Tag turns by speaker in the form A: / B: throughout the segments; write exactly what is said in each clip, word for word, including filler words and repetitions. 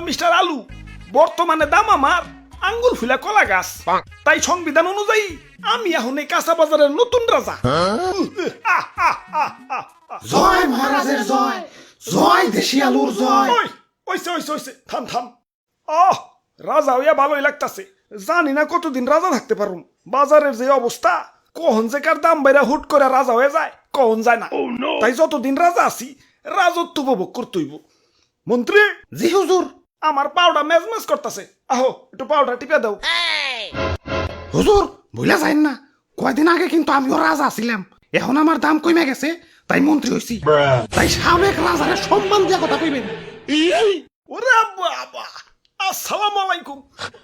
A: Mister আলু, বর্তমানে দাম আমার আঙ্গুল ফুলা কলা গাছ। তাই সংবিধান অনুযায়ী আমি এখন এই কাঁচা বাজারের নতুন রাজা। আহ, আহ, আহ, আহ, আহ।
B: জয় মহারাজের জয়, জয় দেশি আলুর জয়।
A: ওই ওইসে ওইসে ওইসে থাম থাম। আহ, রাজা হইয়া ভালোই লাগতাছে। জানি না কতদিন রাজা থাকতে পারুম। বাজারের যে অবস্থা, কখন যে কার দাম বাইরা হুট করে রাজা হয়ে যায় কখন যায় না। তাই যতদিন রাজা আছি রাজত্ব উপভোগ করতেইব। মন্ত্রী,
B: জি হুজুর।
A: আমার পাউডার মেজমেজ করতেছে, আহো একটু পাউডার টিপে দাও।
B: হুজুর ভুলে যাইন না, কয়দিন আগে কিন্তু আমিও রাজা ছিলাম, এখন আমার দাম কমে গেছে তাই মন্ত্রী হইছি। তাই সাবেক রাজারে সম্মান দিয়া কথা কইবেন।
A: ওরে বাবা, আসসালামু আলাইকুম।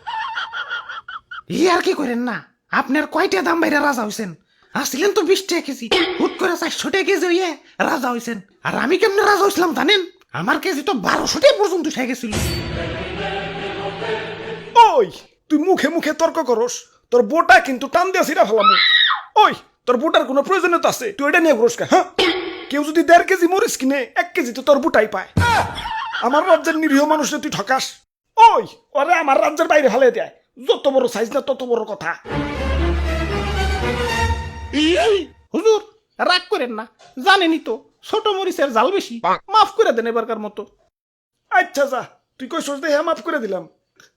B: ই আর কি করেন না, আপনার কয়টা দাম বাইরে রাজা হইছেন? আসছিলেন তো বিশ টাকা কেজি, হুট করে চারশো টাকা কেজি হইয়ে রাজা হইছেন। আর আমি কেমনে রাজা হইছিলাম জানেন? আমার কেজি তো বারোশো টাকা পর্যন্ত উঠে গেছিল।
A: ওই তুই মুখে মুখে তর্ক করস, তোর বোটা কিন্তু টান দিয়া ছিড়া ফেলাম। ওই তোর বোটার কোনো প্রয়োজনীয়তা আছে? তুই এটা নিয়ে ঘুরস কা? হ্যাঁ, কেউ যদি দেড় কেজি মরিচ কিনে এক কেজি তো তোর বুটাই পায়। আমার রাজ্যের নিরীহ মানুষে তুই ঠকাস। ওই ওরে আমার রাজ্যের বাইরে ফেলে দেয়। যত বড় সাইজ না তত বড় কথা।
B: হুজুর রাগ করেন না, জানেনই তো ছোট মরিচের জাল বেশি, মাফ করে দেন এবারকার মতো।
A: আচ্ছা যা, তুই কই সোচ দেখে মাফ করে দিলাম।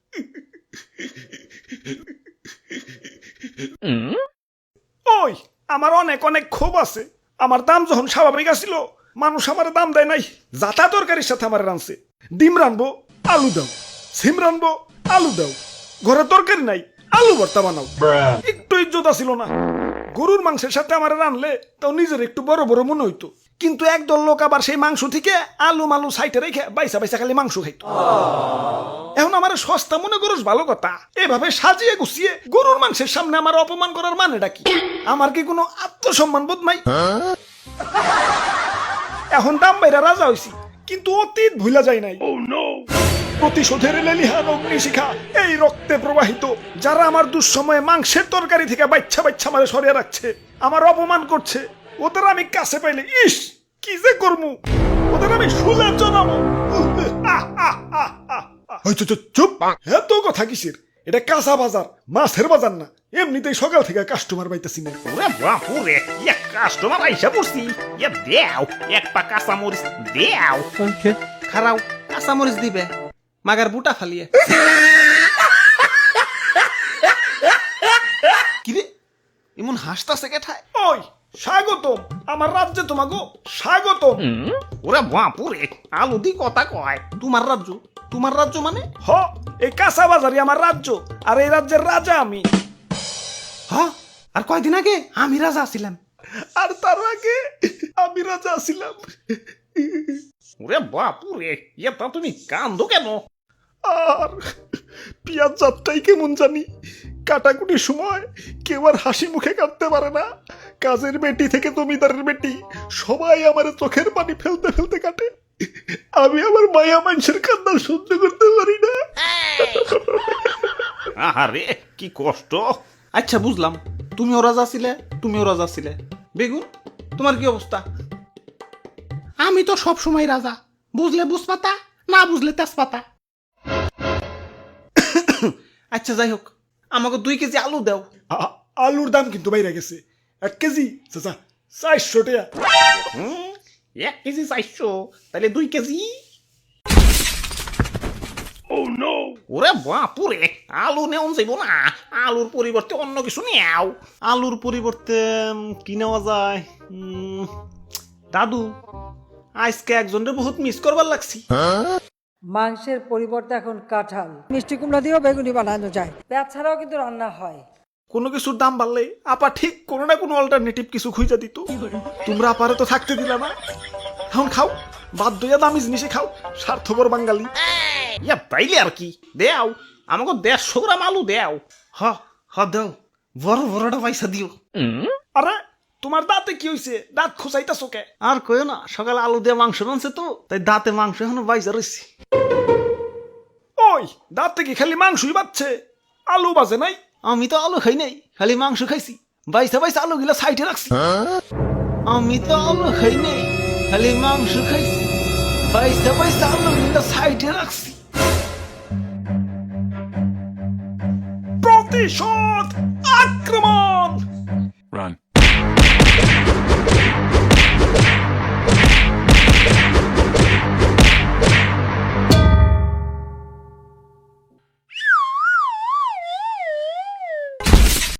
A: ওই আমার অনেক অনেক ক্ষোভ আছে। আমার দাম যখন স্বাভাবিক আসিল, মানুষ আমার দাম দেয় নাই। যাতা তরকারির সাথে আমার রানছে। ডিম রানবো, আলু দাও। সিম রানবো, আলু দাও। ঘরে তরকারি নাই, আলু ভর্তা বানাও। একটু ইজ্জত আসিল না। গরুর মাংসের সাথে আমার রানলে তাও নিজের একটু বড় বড় মনে হইতো। কিন্তু একদল লোক আবার সেই মাংস থেকে আলু মালু সাইটে রেখে বাইসা বাইসা খালি মাংস খাইতো। এখন আমার সস্তা মনে করস ভালো কথা, এভাবে সাজিয়ে গুছিয়ে গরুর মাংসের সামনে আমার অপমান করার মানেটা কি? আমার কি কোনো আত্মসম্মান বোধ নাই? এখন দাম বাইরা রাজা হইছি, কিন্তু অতীত ভুলা যায় নাই। প্রতিশোধের লেলিহান অগ্নিশিখা এই রক্তে প্রবাহিত। যারা আমার দুঃসময়ে মাংসের তরকারি থেকে বাচ্চা বাচ্চা মারে সরিয়ে রাখছে, আমার অপমান করছে, ওদের আমি কাছে পাইলে ইস কি যে করমু, ওদের আমি শুলে জানাবো। চুপ, এত কথা কিসের? এটা কাঁচা বাজার, মাছের বাজার না। এমনিতেই সকাল থেকে কাস্টমার পাইতেছি না।
C: ওরে বাপুরে, এক কাস্টমার আইসা পড়ছি। এ দেও এক পা কাঁচা মরিচ দেও।
B: খারাও কাঁচা মরিচ দিবে, মাগার বুটা ফালিয়ে। কিরে এমন হাসতাছে কেঠায়?
A: ওই স্বাগতম আমার রাজ্যে, তোমাগো স্বাগতম।
C: ওরে বাপুরে, আলু দি কথা কয়।
B: তোমার রাজ্য? তোমার রাজ্য মানে?
A: হ, এই কাঁচা বাজারই আমার রাজ্য, আর এই রাজ্যের রাজা আমি।
B: হ, আর কয়দিন আগে আমি রাজা ছিলাম।
A: আর তার আগে আমি রাজা ছিলাম।
C: ওরে বাপুরে, এটা তুমি কান্দো কেন?
A: আর পিয়াজ যাত্রাই কেমন জানি, কাটাকুটির সময় কেউ আর হাসি মুখে কাটতে পারে না। কাজের বেটি থেকে জমিদারের বেটি সবাই আমার চোখের পানি ফেলতে ফেলতে কাটে। আমি আমার মায়া মানুষের কান্না সহ্য করতে পারি না।
C: আহারে কি কষ্ট।
B: আচ্ছা বুঝলাম, তুমিও রাজা ছিলে, তুমিও রাজা ছিলে। বেগুন তোমার কি অবস্থা? আমি তো সব সময় রাজা, বুঝলে বুঝপাতা, না বুঝলে তেজপাতা। আচ্ছা যাই হোক, আমাকে দুই কেজি আলু দাও।
A: আ- আলুর দাম কিন্তু বাইরে গেছে। এক কেজি চাচা চারশো টাকা।
C: হুম, এক কেজি চাইছো, তাহলে দুই কেজি। ওরে বাপুরে, আলু নেওয়া যাইব না। আলুর পরিবর্তে অন্য কিছু নেও।
B: আলুর পরিবর্তে উম, কি নেওয়া যায়? উম, দাদু আজকে একজনের বহুত মিস করবার লাগছি।
D: মাংসের পরিবর্তে এখন কাঁঠাল, মিষ্টি কুমড়া দিয়েও বেগুনি বানানো যায়। পেঁয়াজ ছাড়াও কিন্তু রান্না হয়।
A: কোনো কিছুর দাম বাড়লে আপা ঠিক কোনো না কোনো অল্টারনেটিভ কিছু খুঁজে দিত। তোমরা আপারে তো থাকতে দিলা না। এখন খাও, বাধ্য হইয়া দামি জিনিসে খাও, স্বার্থপর বাঙালি।
C: ইয়া তাইলে আর কি, দেও আমাকে দেড়শো গ্রাম আলু দেও।
B: হ হ দাও, বড় বড়টা পয়সা দিও।
A: আরে তোমার দাঁতে কি হইছে? দাঁত খোঁচাইতাছো কে?
B: আর কইও না, সকালে আলু দিয়ে মাংস রানছে তো, তাই দাঁতে মাংস এখনো বাইজা রয়েছে।
A: ওই দাঁতে কি খালি মাংসই বাচ্ছে, আলু বাজে নাই?
B: আমি তো আলু খাই নাই, খালি মাংস খাইছি। বাইসা বাইসা আলু গিলা সাইডে রাখছি। আমি তো আলু খাই নাই, খালি মাংস খাইছি। বাইসা বাইসা আলু গিলা সাইডে রাখছি।
A: প্রতিশোধ আক্রমণ।